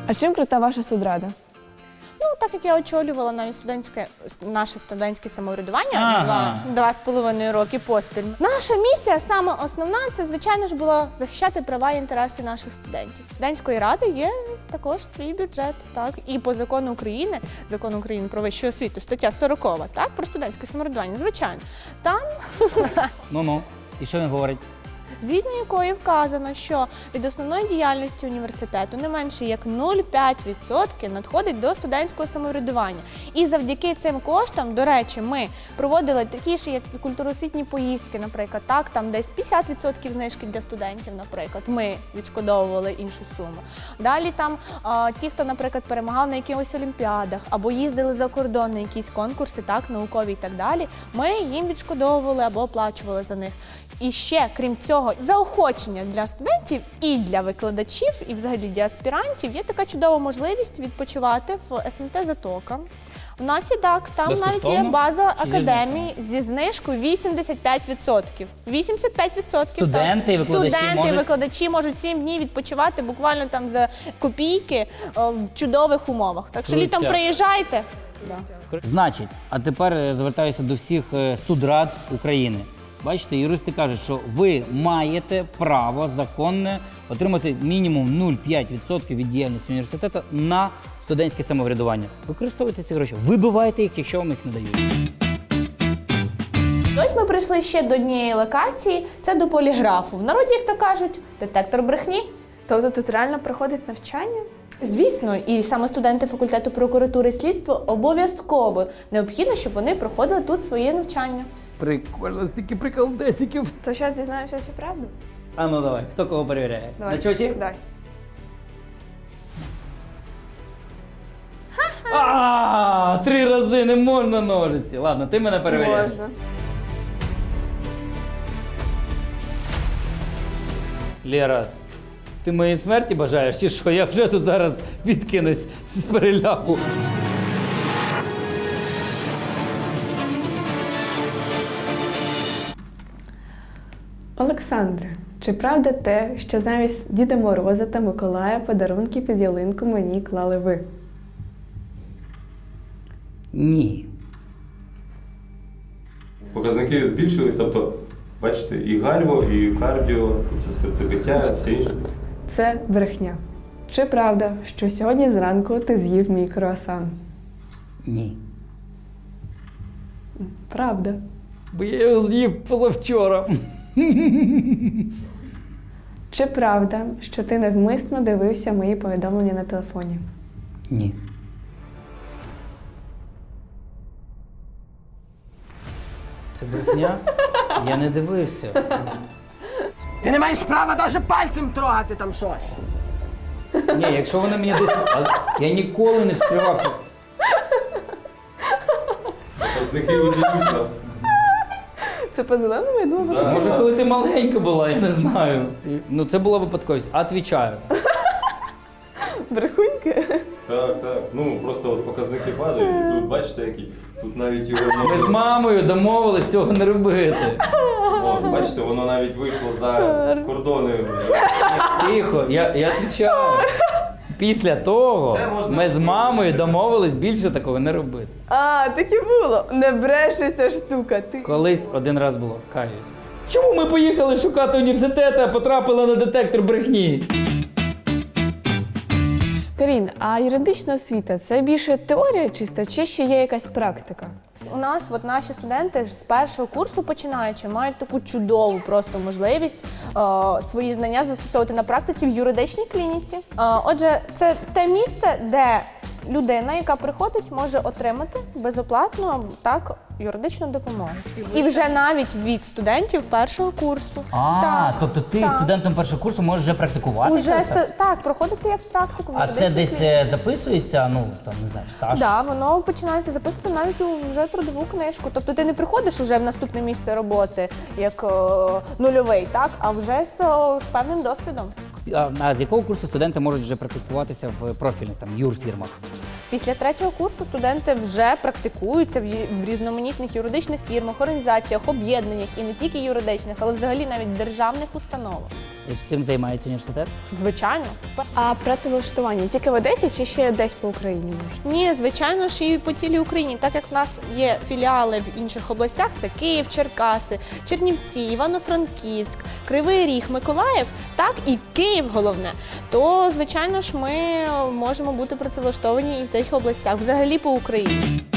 А чим крута ваша студрада? Ну, так як я очолювала навіть наше студентське самоврядування 2,5 роки поспіль. Наша місія, саме основна, це, звичайно ж, було захищати права і інтереси наших студентів. Студентської ради є також свій бюджет, так, і по закону України про вищу освіту, стаття 40, так, про студентське самоврядування, звичайно, там Ну-ну. І що він говорить? згідно якої вказано, що від основної діяльності університету не менше як 0,5% надходить до студентського самоврядування. І завдяки цим коштам, до речі, ми проводили такі ж, як і культуросвітні поїздки, наприклад, так, там десь 50% знижки для студентів, наприклад, ми відшкодовували іншу суму. Далі там ті, хто, наприклад, перемагав на якихось олімпіадах або їздили за кордон на якісь конкурси, так, наукові і так далі, ми їм відшкодовували або оплачували за них. І ще, крім цього, заохочення для студентів і для викладачів, і взагалі для аспірантів є така чудова можливість відпочивати в СМТ «Затока». У нас і так, там навіть є Безкоштовно? база Чи зі академії зі знижкою 85%. 85%. Студенти і так. викладачі Студенти і можуть- викладачі можуть 7 днів відпочивати буквально там за копійки в чудових умовах. Так що Крутяк. літом приїжджайте. Значить, а тепер звертаюся до всіх студрад України. Бачите, юристи кажуть, що ви маєте право законне отримати мінімум 0,5% від діяльності університету на студентське самоврядування. Використовуйте ці гроші, вибивайте їх, якщо вам їх не дають. Ось ми прийшли ще до однієї локації, це до поліграфу. В народі, як то кажуть, детектор брехні. Тобто тут реально проходить навчання? Звісно, і саме студенти факультету прокуратури і слідства обов'язково необхідно, щоб вони проходили тут своє навчання. Прикольно, стільки приколдесиків. То зараз дізнаємося всю правду? А ну давай, хто кого перевіряє? Давай. На чоті? Давай. А, 3 рази не можна ножиці. Ладно, ти мене перевіряєш. Можна. Лєра, ти моїй смерті бажаєш чи що? Я вже тут зараз відкинусь з переляку. Олександре, чи правда те, що замість Діда Мороза та Миколая подарунки під ялинку мені клали ви? Ні. Показники збільшились, тобто, бачите, і гальво, і кардіо, тобто серцебиття, все інше. Це брехня. Чи правда, що сьогодні зранку ти з'їв мій круасан? Ні. Правда. Бо я його з'їв позавчора. Чи правда, що ти невмисно дивився мої повідомлення на телефоні? Ні. Це брехня? Я не дивився. Ти не маєш права навіть пальцем трогати там щось. Ні, якщо вони мені десь... Я ніколи не вскривався. Показники виділяють вас. Це по зеленому, я думаю, Да. Може, коли ти маленька була, я не знаю. Ну, це була випадковість. Отвічаю. брехуньки. Так, так. Ну, просто от показники падають, і тут бачите, які. Тут навіть його Ми з мамою домовились цього не робити. О, бачите, воно навіть вийшло за кордони. Тихо, я відвічаю. Після того Це можна ми з мамою виключити. домовились більше такого не робити. А, так і було. Не бреше ця штука. Ти... Колись один раз було, каюсь. Чому ми поїхали шукати університет, а потрапили на детектор брехні? Карін, а юридична освіта – це більше теорія чиста, чи ще є якась практика? У нас от наші студенти ж з першого курсу починаючи мають таку чудову просто можливість свої знання застосовувати на практиці в юридичній клініці. Отже, це те місце, де людина, яка приходить, може отримати безоплатну юридичну допомогу. І вже навіть від студентів першого курсу. Так, тобто ти так. студентом першого курсу можеш вже практикувати? Уже проходити як практику в А це юридичній десь клініці. записується, ну, там, не знаю, стаж? Так, воно починається записувати навіть у вже трудову книжку. Тобто ти не приходиш уже в наступне місце роботи як нульовий, так? А вже з певним досвідом. А з якого курсу студенти можуть вже практикуватися в профільних там юрфірмах? Після 3-го курсу студенти вже практикуються в різноманітних юридичних фірмах, організаціях, об'єднаннях і не тільки юридичних, але взагалі навіть державних установах. І цим займається університет? Звичайно. А працевлаштування тільки в Одесі чи ще десь по Україні можна? Ні, звичайно ж і по цілій Україні, так як в нас є філіали в інших областях, це Київ, Черкаси, Чернівці, Івано-Франківськ, Кривий Ріг, Миколаїв, так і Київ головне, то, звичайно ж, ми можемо бути працевлаштовані і в тих областях, взагалі по Україні.